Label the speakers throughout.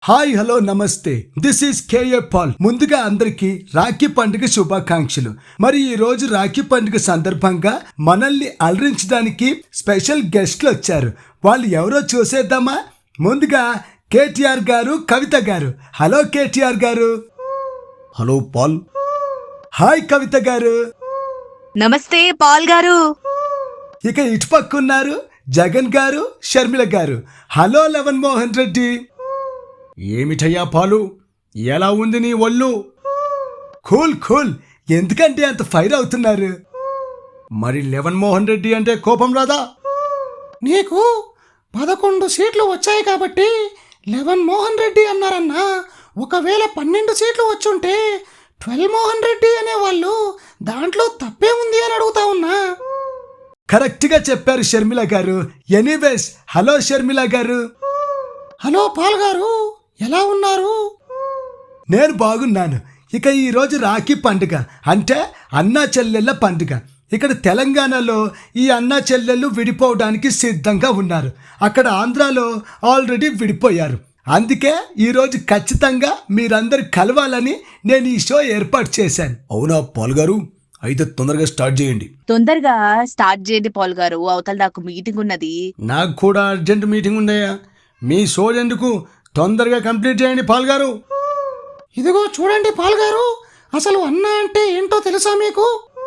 Speaker 1: Hi hello నమస్తే, this is K A Paul. ముందుగా అందరికీ రాఖీ పండుగ శుభాకాంక్షలు. మరి ఈ రోజు రాఖీ పండుగ సందర్భంగా మనల్ని అలరించడానికి స్పెషల్ గెస్ట్లు వచ్చారు. వాళ్ళు ఎవరో చూసేద్దామా? ముందుగా కేటీఆర్ గారు, కవిత గారు. హలో కేటీఆర్ గారు.
Speaker 2: Hello Paul.
Speaker 1: హాయ్ కవిత గారు.
Speaker 3: నమస్తే పాల్ గారు.
Speaker 1: ఇక ఇటుపక్కున్నారు జగన్ గారు, షర్మిల గారు. హలో లవన్ మోహన్ రెడ్డి.
Speaker 2: ఏమిటయ్యా పాలు, ఎలా ఉంది నీ ఒళ్ళు?
Speaker 1: Cool cool. ఎందుకంటే అంత ఫైర్ అవుతున్నారు?
Speaker 2: మరి లెవన్ మోహన్ రెడ్డి అంటే కోపం రాదా?
Speaker 4: నీకు 11 సీట్లు వచ్చాయి కాబట్టి లెవన్ మోహన్ రెడ్డి అన్నారన్నా. ఒకవేళ 12 సీట్లు వచ్చుంటే 12 మోహన్ రెడ్డి అనేవాళ్ళు. దాంట్లో తప్పే ఉంది అని అడుగుతా ఉన్నా.
Speaker 1: కరెక్ట్గా చెప్పారు షర్మిల గారు. ఎనీవేస్, హలో షర్మిల గారు.
Speaker 4: హలో పాల్ గారు, ఎలా ఉన్నారు?
Speaker 1: నేను బాగున్నాను. ఇక ఈరోజు రాఖీ పండుగ అంటే అన్నా చెల్లెళ్ళ పండుగ. ఇక్కడ తెలంగాణలో ఈ అన్నా చెల్లెళ్ళు విడిపోవడానికి సిద్ధంగా ఉన్నారు. అక్కడ ఆంధ్రాలో ఆల్రెడీ విడిపోయారు. అందుకే ఈరోజు ఖచ్చితంగా మీరందరూ కలవాలని నేను ఈ షో ఏర్పాటు చేశాను.
Speaker 2: అవునా పాల్ గారు? అయితే తొందరగా స్టార్ట్ చేయండి.
Speaker 3: తొందరగా స్టార్ట్ చేయండి పాల్ గారు, అవతల నాకు మీటింగ్ ఉన్నది.
Speaker 2: నాకు కూడా అర్జెంట్ మీటింగ్ ఉందయ్యా. మీ షో ఎందుకు, తొందరగా కంప్లీట్ చేయండి పాల్ గారు.
Speaker 4: ఇదిగో చూడండి పాల్ గారు, అసలు అన్న అంటే ఏంటో తెలుసా మీకు?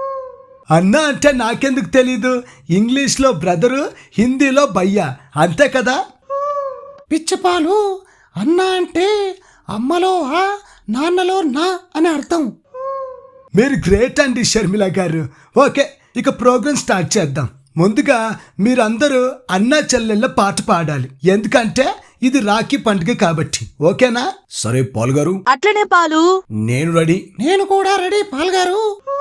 Speaker 1: అన్నా అంటే నాకెందుకు తెలీదు? ఇంగ్లీష్లో బ్రదరు, హిందీలో భయ్యా, అంతే కదా?
Speaker 4: పిచ్చి పాలు, అన్న అంటే అమ్మలో ఆ, నాన్నలో నా అని అర్థం.
Speaker 1: మీరు గ్రేట్ అండి షర్మిల గారు. ఓకే, ఇక ప్రోగ్రామ్ స్టార్ట్ చేద్దాం. ముందుగా మీరందరూ అన్నా చెల్లెళ్ళ పాట పాడాలి, ఎందుకంటే ఇది రాఖీ పండుగ కాబట్టి. ఓకేనా?
Speaker 2: సరే పాల్ గారు.
Speaker 3: అట్లనే పాలు.
Speaker 2: నేను రెడీ.
Speaker 4: నేను కూడా రెడీ పాల్ గారు.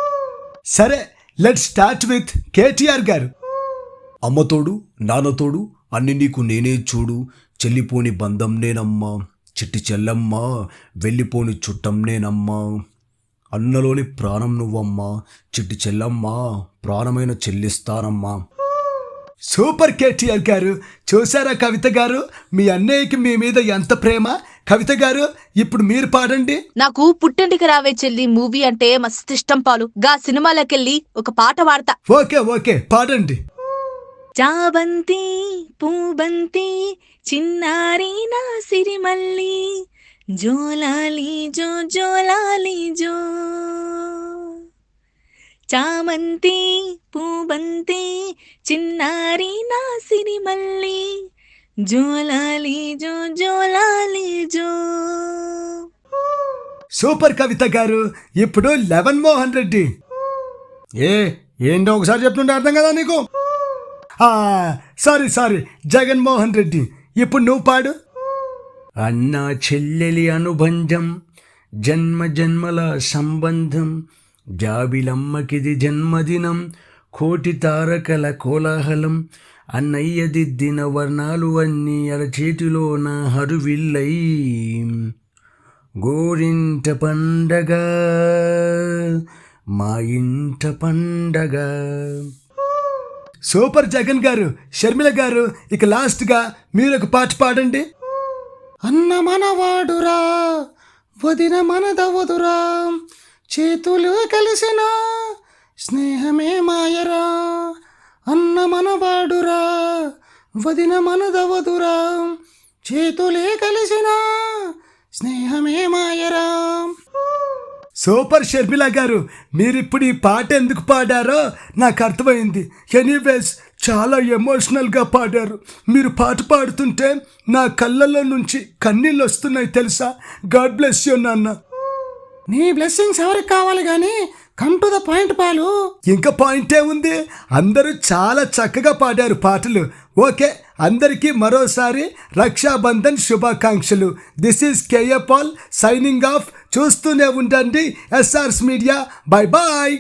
Speaker 1: సరే, లెట్స్ స్టార్ట్ విత్ కేటీఆర్ గారు.
Speaker 2: అమ్మతోడు నాన్నతోడు అన్ని నీకు నేనే చూడు, చెల్లిపోని బంధం నేనమ్మా, చిట్టి చెల్లమ్మ వెళ్ళిపోని చుట్టం నేనమ్మా, అన్నలోని ప్రాణం నువ్వమ్మా, చిట్టి చెల్లమ్మ ప్రాణమైన చెల్లిస్తానమ్మా.
Speaker 1: సూపర్ కేటీఆర్ గారు. చూసారా కవిత గారు, మీ అన్నయ్యకి మీ మీద ఎంత ప్రేమ. కవిత గారు, ఇప్పుడు మీరు పాడండి.
Speaker 3: నాకు పుట్టింటికి రావే చెల్లి మూవీ అంటే మస్తు ఇష్టం పాలు. గా సినిమాలకెళ్ళి ఒక పాట పాడతా.
Speaker 1: ఓకే ఓకే, పాడండి.
Speaker 3: చాబంతి పూబంతి చిన్నారి నా సిరిమల్లి, జోలాలి జో జోలాలి జో. చామంతి పూబంతి చిన్నారి నా సిరిమల్లి, జోలాలి జో జోలాలి జో.
Speaker 1: సూపర్ కవిత గారు. ఇప్పుడు లెవన్ మోహన్ రెడ్డి.
Speaker 2: ఏంటో ఒకసారి చెప్తుంటే అర్థం కదా నీకు?
Speaker 1: సారీ జగన్మోహన్ రెడ్డి. ఇప్పుడు నువ్వు పాడు.
Speaker 2: అన్నా చెల్లెలి అనుబంధం, జన్మ జన్మల సంబంధం, జాబిలమ్మకిది జన్మదినం, కోటి తారకల కోలాహలం, అన్నయ్య దిద్దిన వర్ణాలు అన్నీ అరచేతిలోన హరువిల్లై, గోరింట పండగ మా ఇంట పండగ.
Speaker 1: సూపర్ జగన్ గారు. షర్మిల గారు, ఇక లాస్ట్గా మీరు ఒక పాట పాడండి.
Speaker 4: అన్న మనవాడురా, వదిన మనదవదురా, చేతులు కలిసిన స్నేహమే మాయరా. అన్న మనవాడురా, వదిన మనదవదురా, చేతులే కలిసిన స్నేహమే మాయరా.
Speaker 1: సూపర్ షర్మిల గారు. మీరిప్పుడు ఈ పాట ఎందుకు పాడారో నాకు అర్థమైంది. ఎనీవేస్, చాలా ఎమోషనల్గా పాడారు. మీరు పాట పాడుతుంటే నా కళ్ళల్లో నుంచి కన్నీళ్ళు వస్తున్నాయి తెలుసా. గాడ్ బ్లెస్ యూ నాన్న.
Speaker 4: నీ బ్లెస్సింగ్స్ ఎవరికి కావాలి కానీ కమ్ టు ద పాయింట్ పాలు.
Speaker 1: ఇంకా పాయింటే ఉంది. అందరూ చాలా చక్కగా పాడారు పాటలు. ఓకే, అందరికీ మరోసారి రక్షాబంధన్ శుభాకాంక్షలు. This is K A Paul signing off. చూస్తూనే ఉండండి SR's మీడియా. Bye bye.